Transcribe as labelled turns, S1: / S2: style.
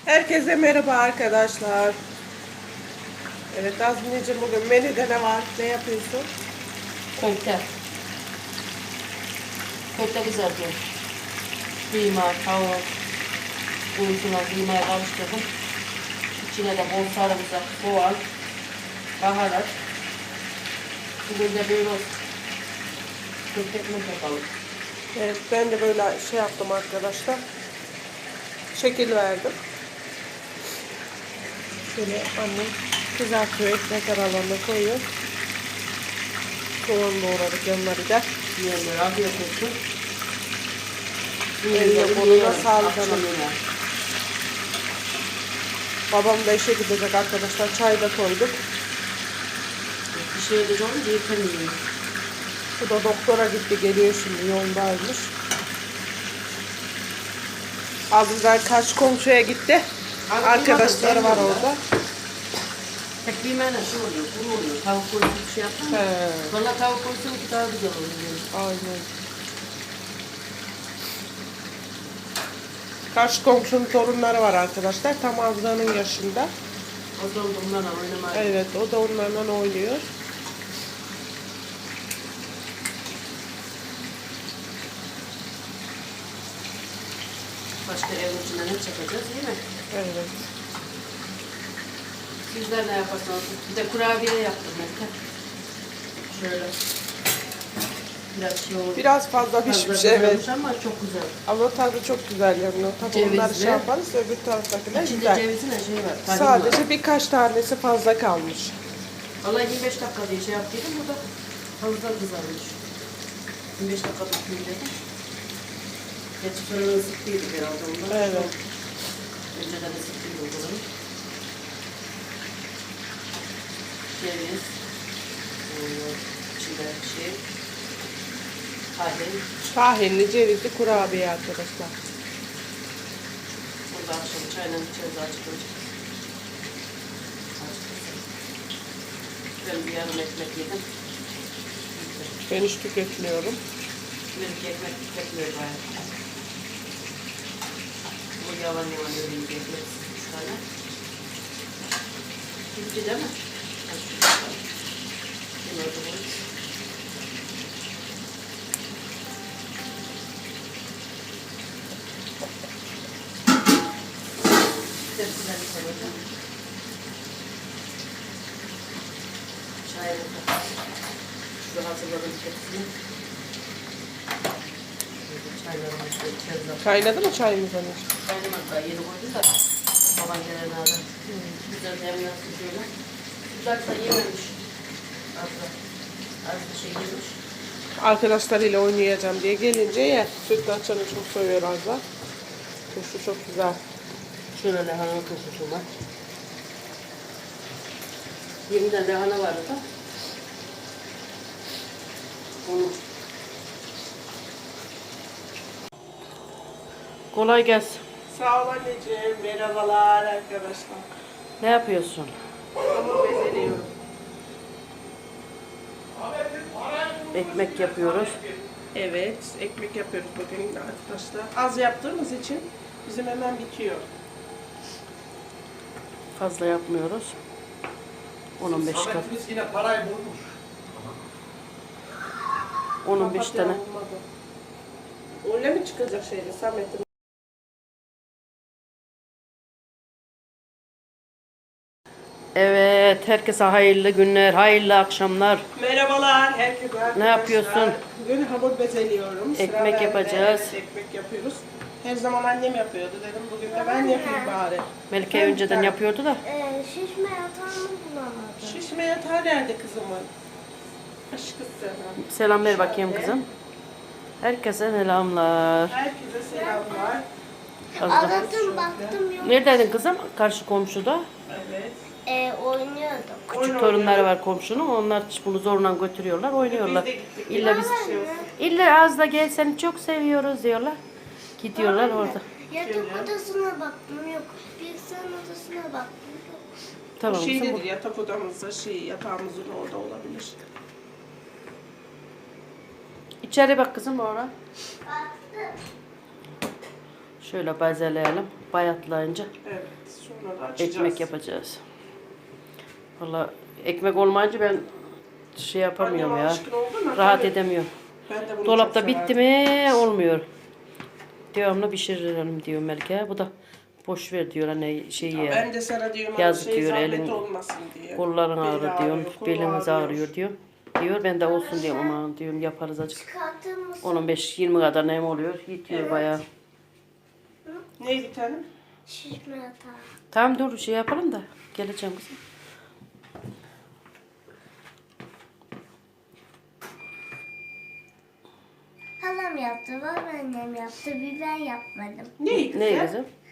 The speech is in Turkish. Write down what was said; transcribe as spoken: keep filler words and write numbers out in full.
S1: Herkese merhaba arkadaşlar. Evet Azmineciğim, bugün menüde ne var? Ne yapıyorsun?
S2: Köfte. Köfte kızartıyorum. Kıyma, tavuk, unutuna kıymayı karıştırdım. İçine de bol sarımsak, soğan, baharat. Bugün de böyle köfte ekmek yapalım.
S1: Evet, ben de böyle şey yaptım arkadaşlar. Şekil verdim. Şöyle annem kızartıyor, ekmek aralarına koyuyor. Soğan doğradık yanları da.
S2: Yiyenler afiyet olsun.
S1: Elle koluna sağlık.
S2: Akşam yemeği.
S1: Babam da işe gidecek arkadaşlar. Çay da koyduk.
S2: Bir şey de olunca yeter yiyor.
S1: Bu da doktora gitti, geliyor şimdi, yoldaymış. Azizler karşı komşuya gitti. Arkadaşları var orada.
S2: Tek kıymayla şey oluyor, kuru oluyor. Tavuk koyusu bir şey yaptın mı?
S1: He.
S2: Valla tavuk koyusu ki daha güzel oluyor.
S1: Aynen. Karşı komşunun torunları var arkadaşlar. Tam Azra'nın yaşında.
S2: O da onlarla oynamaya.
S1: Evet, o da onlarla oynuyor.
S2: Başka evin içinde ne çekeceğiz değil mi?
S1: Evet.
S2: Sizler ne yaparsanız. Bir de kurabiye yaptım Melike. Şöyle. Biraz şey oldu.
S1: Biraz fazla pişmiş, evet.
S2: Ama çok güzel.
S1: Ama tadı çok güzel yanıyor. Tabii
S2: Cevizli.
S1: onları şey yaparız, öbür taraftakiler
S2: İçinde
S1: güzel.
S2: cevizin her şey var. tahin
S1: Sadece
S2: var.
S1: birkaç tanesi fazla kalmış.
S2: Vallahi yirmi beş dakika diye şey yaptıydım. Bu da fazla kızarmış. yirmi beş dakika tutmayayım dedim. Geçi fırını ısıttıydık herhalde ondan.
S1: Evet.
S2: Önceden ısıttıydım o kadar. Ceviz. İçinde şey. Tahin.
S1: Tahinli, cevizli kurabiye arkadaşlar.
S2: Burada akşam çayla içeriz acıkınca. Ben bir yarım ekmek yedim.
S1: Ben hiç tüketmiyorum.
S2: Bir iki ekmek tüketmiyor bayağı. Bu yavan yavan öyle bir ekmek. Üç tane. Bitti değil mi? Şimdi orada bu. Tepsiler bir koyacağım. Çayını da. Şu hazırladım tepsini. Çaylarımı şöyle içeriz.
S1: Kaynadı mı çayımız anneciğim?
S2: Kaynamadı da yeni koydum da. Baban gelene adam. Güzel demlensin şöyle. Güzel da yememiş. Az da. Az da şey yemiş.
S1: Arkadaşlarıyla oynayacağım diye gelince yer. Sütlaçını çok seviyor Azra. Turşu çok güzel.
S2: Şöyle lahana turşusu var. yirmi tane lahana vardı da. Onu. Kolay gelsin.
S1: Sağ ol anneciğim. Merhabalar arkadaşlar.
S2: Ne yapıyorsun?
S1: Hamur bezeliyorum.
S2: Ekmek yapıyoruz.
S1: Evet, ekmek yapıyoruz bugün arkadaşlar. Az yaptığımız için bizim hemen bitiyor.
S2: Fazla yapmıyoruz. on on beş kat.
S3: Samet'imiz yine parayı bulmuş.
S2: on on beş
S1: Papatya
S2: tane.
S1: olmadı. Öyle mi çıkacak şeyde Samet'in?
S2: Evet, herkese hayırlı günler, hayırlı akşamlar.
S1: Merhabalar herkese arkadaşlar.
S2: Ne yapıyorsun?
S1: Bugün hamur bezeliyorum. Sıra
S2: Ekmek
S1: bende.
S2: yapacağız.
S1: Evet, ekmek yapıyoruz. Her zaman annem yapıyordu dedim. Bugün de ben yapayım bari.
S2: Melike
S1: Ben
S2: önceden
S1: bir
S2: yapıyordu da.
S4: Ee, şişme yatağını bulamadım.
S1: Şişme yatağı nerede kızımın? Aşkı sana.
S2: Selam ver bakayım kızım. Herkese selamlar.
S1: Herkese selamlar.
S2: Azra.
S4: Aradım baktım yok.
S2: Neredeydin kızım? Karşı komşuda.
S1: Evet.
S4: Ee, oynuyordum.
S2: Küçük torunları var komşunun. Onlar bunu zorla götürüyorlar, oynuyorlar.
S1: Biz de gittik.
S2: İlla biz, illa az da gel seni çok seviyoruz diyorlar. Gidiyorlar orada.
S4: Yatak odasına baktım yok. Bilgisayar odasına baktım yok.
S2: Tamam
S1: Şey
S2: kızım.
S1: nedir, yatak odamızda şey, yatağımızın orada olabilir.
S2: İçeri bak kızım orada.
S4: Baktım.
S2: Şöyle bezeleyelim. bayatlayınca
S1: Evet. Sonra da açacağız.
S2: ekmek yapacağız. Valla ekmek olmayınca ben şey yapamıyorum
S1: Annem
S2: ya.
S1: alışkın oldu mu?
S2: Rahat
S1: Tabii.
S2: edemiyorum.
S1: Ben de bunu
S2: Dolapta
S1: çok
S2: bitti
S1: severdim.
S2: mi olmuyor. Devamlı pişirelim diyor Melike. Bu da boş ver diyor anne şey
S1: Ya
S2: ya.
S1: ben de sana diyorum hani
S2: Yazık
S1: şey
S2: diyor,
S1: zahmet
S2: elin-
S1: olmasın diye.
S2: Kolların
S1: Beli
S2: ağrıyor diyorum.
S1: kolu
S2: Belimiz ağrıyor diyor. Diyor ben de olsun diyorum ama diyorum yaparız acık.
S4: Çıkartır mısın?
S2: on beş yirmi kadar nem oluyor. Yitiyor
S1: Evet.
S2: bayağı.
S1: Ne bir tanem?
S4: Şişme yatağı.
S2: Tamam dur şey yapalım da geleceğim kızım.
S4: Halam yaptı, babaannem yaptı, bir ben yapmadım.
S1: Ne kızım?
S2: Ne kızım?